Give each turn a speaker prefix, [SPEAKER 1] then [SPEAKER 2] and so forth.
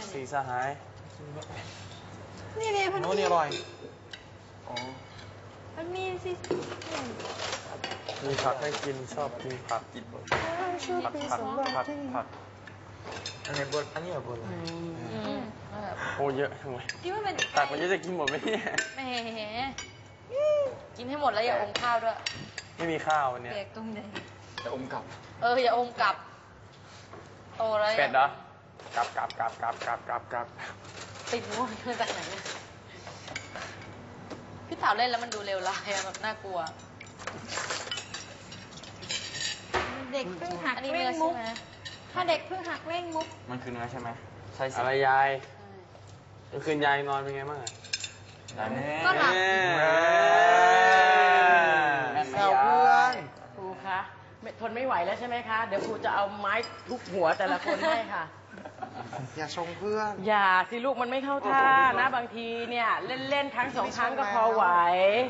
[SPEAKER 1] สีสหาย
[SPEAKER 2] นี่พัน
[SPEAKER 1] โน้นนี่อร่อยอ๋อ
[SPEAKER 2] มันมีสิ
[SPEAKER 1] มีผักให้กินชอบกินผักกินผักอันไหนบนอันนี้เหรอบนโอ้เยอะทำไม
[SPEAKER 2] คิดว่าเป็น
[SPEAKER 1] ตักมันเยอะจะกินหมดไหมเนี่ย
[SPEAKER 2] แหมกินให้หมดแล้วอย่าอมข้าวด้วย
[SPEAKER 1] ไม่มีข้าววันเนี้ย
[SPEAKER 2] เปียกตรงไหน
[SPEAKER 3] จะอมกลับ
[SPEAKER 2] อย่าอมกลับโตแล้ว
[SPEAKER 1] เป็ดเหรอกลับ
[SPEAKER 2] ติดง่วงมาจากไหนเนี่ยพี่สาวเล่นแล้วมันดูเลวร้ายอะแบบน่ากลัว
[SPEAKER 4] เด็กเพิ่งหัก
[SPEAKER 2] อันนี้
[SPEAKER 4] เล่
[SPEAKER 2] เนื้
[SPEAKER 4] ง
[SPEAKER 2] อ
[SPEAKER 4] มุ
[SPEAKER 2] ใช่
[SPEAKER 4] ก
[SPEAKER 2] ไหม
[SPEAKER 4] ถ้าเด็กเพิ่งหักเล่งมุก
[SPEAKER 3] มันคือเนื้อใช่ไหมใช่สิ
[SPEAKER 1] อะไรยายเมื่อคืนยายนอนเป็นไงบ้างอะ
[SPEAKER 3] ได้ไหม
[SPEAKER 4] ก็หลับ
[SPEAKER 1] แซวเพื่อน
[SPEAKER 5] ครูคะทนไม่ไหวแล้วใช่ไหมคะ เดี๋ยวครูจะเอาไม้ทุบหัวแต่ละคนให้ค่ะ
[SPEAKER 1] อย่าชงเพื่อน
[SPEAKER 5] อย่าสิลูกมันไม่เข้าท่านะบางทีเนี่ย เล่นๆครั้งสองครั้งก็พอไหว